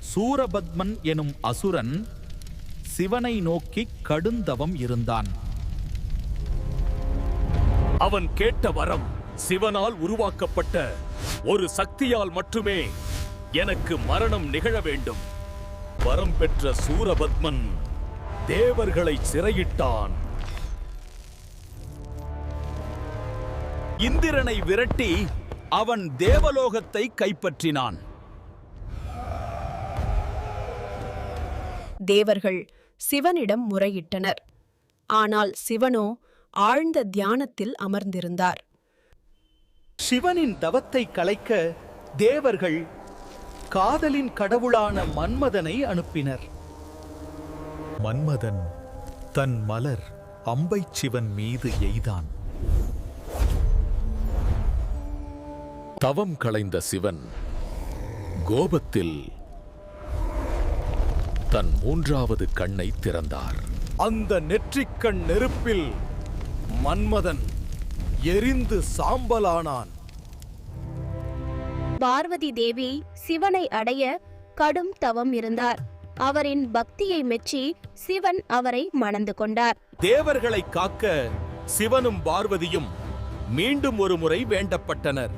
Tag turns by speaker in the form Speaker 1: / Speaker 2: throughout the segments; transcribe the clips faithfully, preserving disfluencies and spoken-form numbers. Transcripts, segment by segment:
Speaker 1: சூரபத்மன் எனும் அசுரன் சிவனை நோக்கி கடுந்தவம் இருந்தான்.
Speaker 2: அவன் கேட்ட வரம் சிவனால் உருவாக்கப்பட்ட ஒரு சக்தியால் மட்டுமே எனக்கு மரணம் நிகழ வேண்டும். வரம் பெற்ற சூரபத்மன் தேவர்களை சிறையிட்டான்.
Speaker 1: இந்திரனை விரட்டி அவன் தேவலோகத்தை கைப்பற்றினான்.
Speaker 3: தேவர்கள் சிவனிடம் முறையிட்டனர். ஆனால் சிவனோ ஆழ்ந்த தியானத்தில் அமர்ந்திருந்தார்.
Speaker 1: சிவனின் தவத்தை கலைக்க தேவர்கள் காதலின் கடவுளான மன்மதனை அனுப்பினர்.
Speaker 4: மன்மதன் தன் மலர் அம்பை சிவன் மீது எய்தான்.
Speaker 2: தவம் களைந்த சிவன் கோபத்தில் தன் மூன்றாவது கண்ணை திறந்தார். அந்த நெற்றிக்கண் நெருப்பில் மன்மதன் எரிந்து சாம்பலானான்.
Speaker 5: பார்வதி தேவி சிவனை அடைய கடும் தவம் இருந்தார். அவரின் பக்தியை மெச்சி சிவன் அவரை மணந்து கொண்டார்.
Speaker 2: தேவர்களை காக்க சிவனும் பார்வதியும் மீண்டும் ஒரு முறை வேண்டப்பட்டனர்.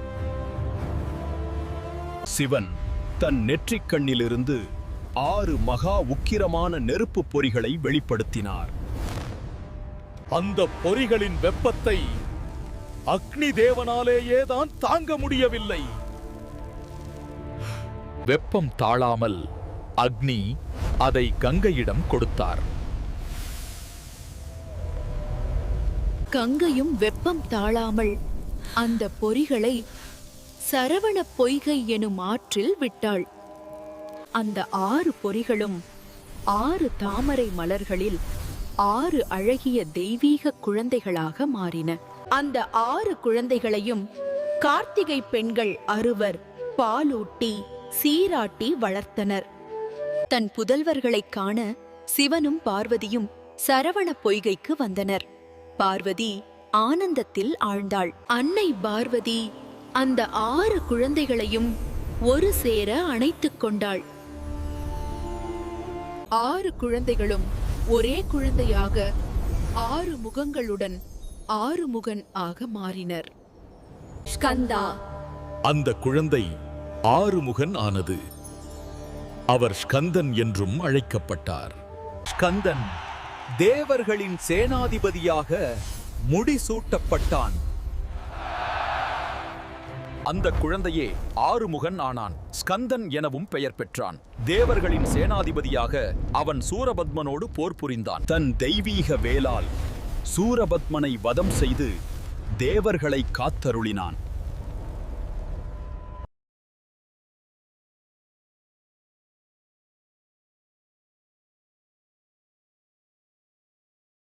Speaker 6: சிவன் தன் நெற்றிக் கண்ணிலிருந்து ஆறு மகா உக்கிரமான நெருப்பு பொறிகளை வெளிப்படுத்தினார்.
Speaker 2: அந்த பொறிகளின் வெப்பத்தை அக்னி தேவனாலேயே தான் தாங்க முடியவில்லை. வெப்பம் தாழாமல் அக்னி அதை கங்கையிடம் கொடுத்தார்.
Speaker 7: கங்கையும் வெப்பம் தாழாமல் அந்த பொறிகளை சரவண பொய்கை எனும் ஆற்றில் விட்டாள். அந்த ஆறு பொறிகளும் ஆறு தாமரை மலர்களில் ஆறு அழகிய தெய்வீக குழந்தைகளாக மாறின. அந்த ஆறு குழந்தைகளையும் கார்த்திகை பெண்கள் அறுவர் பாலூட்டி சீராட்டி வளர்த்தனர். தன் புதல்வர்களைக் காண சிவனும் பார்வதியும் சரவண பொய்கைக்கு வந்தனர். பார்வதி ஆனந்தத்தில் ஆழ்ந்தாள். அன்னை பார்வதி அந்த ஆறு குழந்தைகளையும் ஒரு சேர அணைத்துக் கொண்டாள். ஆறு குழந்தைகளும் ஒரே குழந்தையாக ஆறு முகங்களுடன் ஆறுமுகன் ஆக மாறினர். ஸ்கந்தா.
Speaker 2: அந்த குழந்தை ஆறுமுகன் ஆனது. அவர் ஸ்கந்தன் என்றும் அழைக்கப்பட்டார்.
Speaker 1: ஸ்கந்தன் தேவர்களின் சேனாதிபதியாக முடிசூட்டப்பட்டான். அந்த குழந்தையே ஆறுமுகன் ஆனான். ஸ்கந்தன் எனவும் பெயர் பெற்றான். தேவர்களின் சேனாதிபதியாக அவன் சூரபத்மனோடு போர் புரிந்தான். தன் தெய்வீக வேலால் சூரபத்மனை வதம் செய்து தேவர்களை காத்தருளினான்.